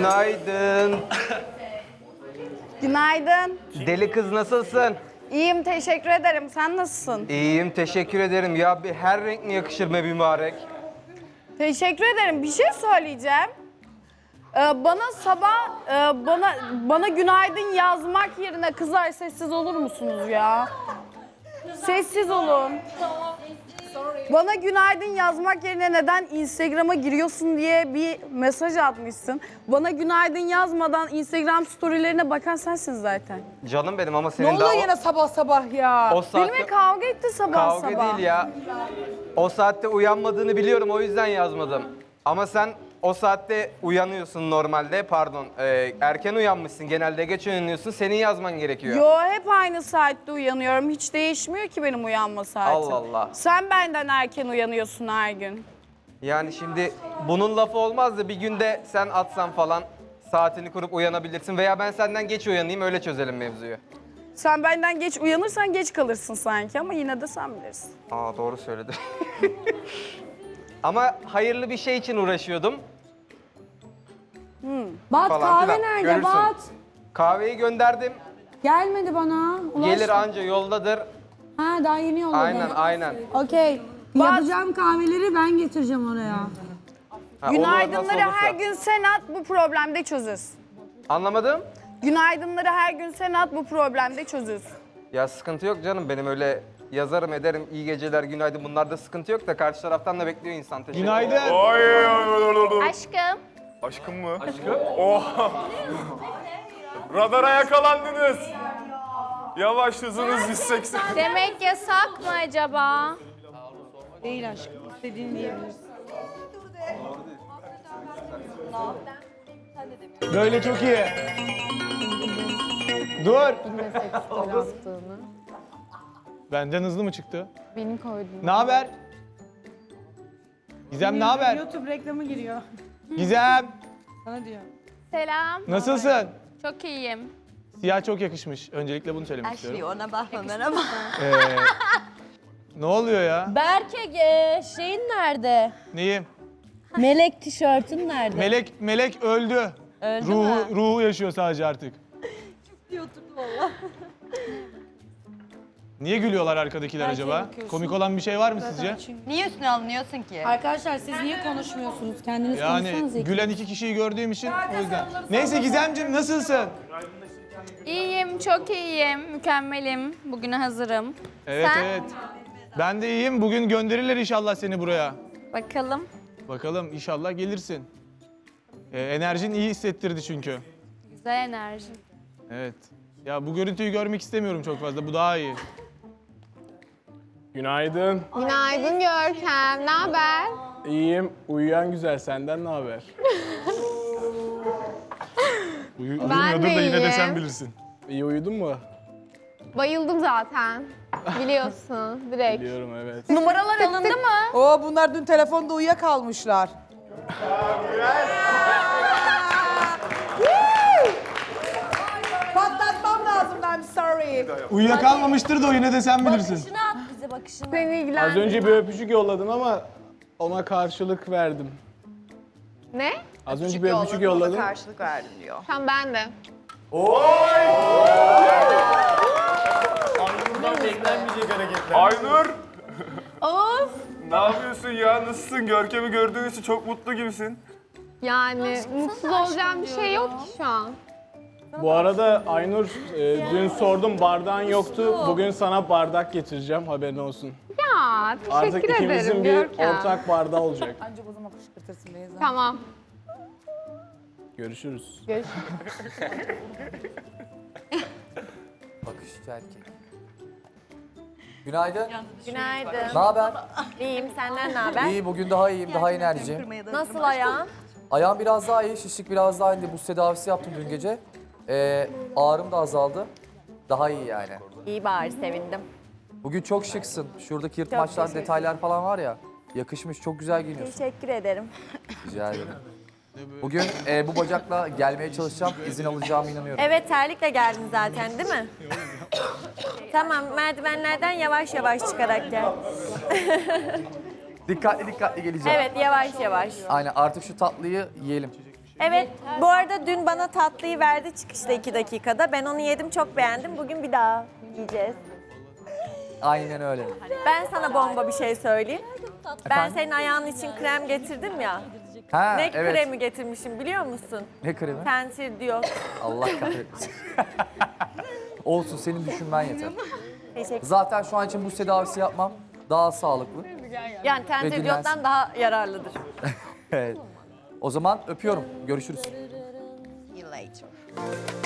Günaydın. Günaydın. Deli kız nasılsın? İyiyim, teşekkür ederim. Sen nasılsın? İyiyim, teşekkür ederim. Ya bir her renk mi yakışır be mübarek? Teşekkür ederim. Bir şey söyleyeceğim. Bana sabah bana günaydın yazmak yerine kızlar sessiz olur musunuz ya? Sessiz olun. Bana günaydın yazmak yerine neden Instagram'a giriyorsun diye bir mesaj atmışsın. Bana günaydın yazmadan Instagram storylerine bakan sensin zaten. Canım benim ama Ne senin oluyor daha yine sabah sabah ya? o saatte... Benimle kavga etti sabah Kavga sabah. değil ya. O saatte uyanmadığını biliyorum, o yüzden yazmadım. Ama sen o saatte uyanıyorsun normalde, pardon. Erken uyanmışsın, genelde geç uyanıyorsun. Senin yazman gerekiyor. Yo, hep aynı saatte uyanıyorum. Hiç değişmiyor ki benim uyanma saatim. Allah Allah. Sen benden erken uyanıyorsun her gün. Yani şimdi bunun lafı olmaz da bir günde sen atsan falan saatini kurup uyanabilirsin. Veya ben senden geç uyanayım, öyle çözelim mevzuyu. Sen benden geç uyanırsan geç kalırsın sanki ama yine de sen bilirsin. Aa, doğru söyledi. Ama hayırlı bir şey için uğraşıyordum. Bat Falan kahve filan. nerede Görürsün. Bat? Kahveyi gönderdim. Gelmedi bana. Gelir anca yoldadır. Ha daha yeni yolladı. Aynen. Okey. Yapacağım kahveleri ben getireceğim oraya. Ha, olur, Günaydınları nasıl olursa. her gün sen at, bu problemde çözüz. Anlamadım. Günaydınları her gün sen at, bu problemde çözüz. Ya sıkıntı yok canım, benim öyle yazarım ederim, iyi geceler, günaydın, bunlarda sıkıntı yok da karşı taraftan da bekliyor insan. Teşekkür ederim. Günaydın. Aşkım. Aşkım mı? Aşkım? Oha! Radara yakalandınız. Yavaş, hızınız 180. Demek yasak mı acaba? Değil aşkım. İstediğini diyebilirsin. Böyle çok iyi. Dur. Benden hızlı mı çıktı? Benim koydum. Ne haber? Gizem ne haber? YouTube reklamı giriyor. Gizem Sana diyor. Selam. nasılsın? Çok iyiyim. Siyah çok yakışmış. Öncelikle bunu söylemek istiyorum. Ona bakma merhaba. Ne oluyor ya? Berke şeyin nerede? Neyim? Melek tişörtün nerede? Melek öldü. Öldü ruhu, mü? ruhu yaşıyor sadece artık. Niye gülüyorlar arkadakiler acaba? Komik olan bir şey var mı sizce? Niye üstüne alınıyorsun ki? Arkadaşlar siz niye konuşmuyorsunuz? Kendiniz Yani konuşsanız gülen iki kişiyi gördüğüm için o yüzden. Neyse Gizemciğim nasılsın? İyiyim, çok iyiyim. Mükemmelim. Bugüne hazırım. Evet Sen? evet. Ben de iyiyim. Bugün gönderirler inşallah seni buraya. Bakalım. Bakalım inşallah gelirsin. Enerjin iyi hissettirdi çünkü. Güzel enerji. Evet. Ya bu görüntüyü görmek istemiyorum çok fazla. Bu daha iyi. Günaydın. Günaydın Görkem. Ne haber? İyiyim. Uyuyan güzel. Senden ne haber? Uyumuyordur da yine de sen bilirsin. İyi uyudun mu? Bayıldım zaten. Biliyorsun direkt. Biliyorum, evet. Numaralar alındı mı? Oo, bunlar dün telefonda uyuyakalmışlar. Patlatmam lazım, I'm sorry. Uyuyakalmamıştır da o yine de sen bilirsin. Bakışını at bize bakışını. Seni ilgilen. Az önce bir öpücük yolladım ama ona karşılık verdim. Ne? Az önce bir öpücük yolladım. Karşılık verdim diyor. Tamam ben de. Aynur! Oğuz. Ne yapıyorsun ya? Nasılsın? Görkem'i gördüğün için çok mutlu gibisin. Yani mutsuz olacağım bir şey yok ki şu an. Bu arada Aynur, dün sordum bardağın yoktu. Bugün sana bardak getireceğim, haberin olsun. Ya teşekkür Artık ederim ikimizin bir Görkem. ortak bardağı olacak. Ancak o zaman kışkırtırsın Beyza. Tamam. Görüşürüz. Bakışçı erkek. Günaydın. Günaydın. Ne haber? İyiyim senden ne haber? İyi, bugün daha iyiyim, daha enerjiyim. Nasıl ayağın? Ayağım biraz daha iyi, şişlik biraz daha indi. Buz tedavisi yaptım dün gece. Ağrım da azaldı. Daha iyi yani. İyi bari sevindim. Bugün çok şıksın. Şuradaki yırtmaçlar, detaylar falan var ya. Yakışmış, çok güzel giyiniyorsun. Teşekkür ederim. Rica ederim. Bugün bu bacakla gelmeye çalışacağım, izin alacağıma inanıyorum. Evet terlikle geldin zaten değil mi? Tamam merdivenlerden yavaş yavaş çıkarak gel. Dikkatli dikkatli geleceğim. Evet yavaş yavaş. Aynen, artık şu tatlıyı yiyelim. Evet, bu arada dün bana tatlıyı verdi çıkışta 2 dakikada. Ben onu yedim, çok beğendim. Bugün bir daha yiyeceğiz. Aynen öyle. Ben sana bomba bir şey söyleyeyim. Ben Efendim? senin ayağın için krem getirdim ya. Ha, Ne evet. kremi getirmişim biliyor musun? Ne kremi? Tensir diyor. Allah kahretmesin. Olsun, senin düşünmen yeter. Teşekkür. Zaten şu an için bu tedavisi yapmam daha sağlıklı. Yani Ve tensir dinlensin. diyottan daha yararlıdır. Evet. O zaman öpüyorum. Görüşürüz.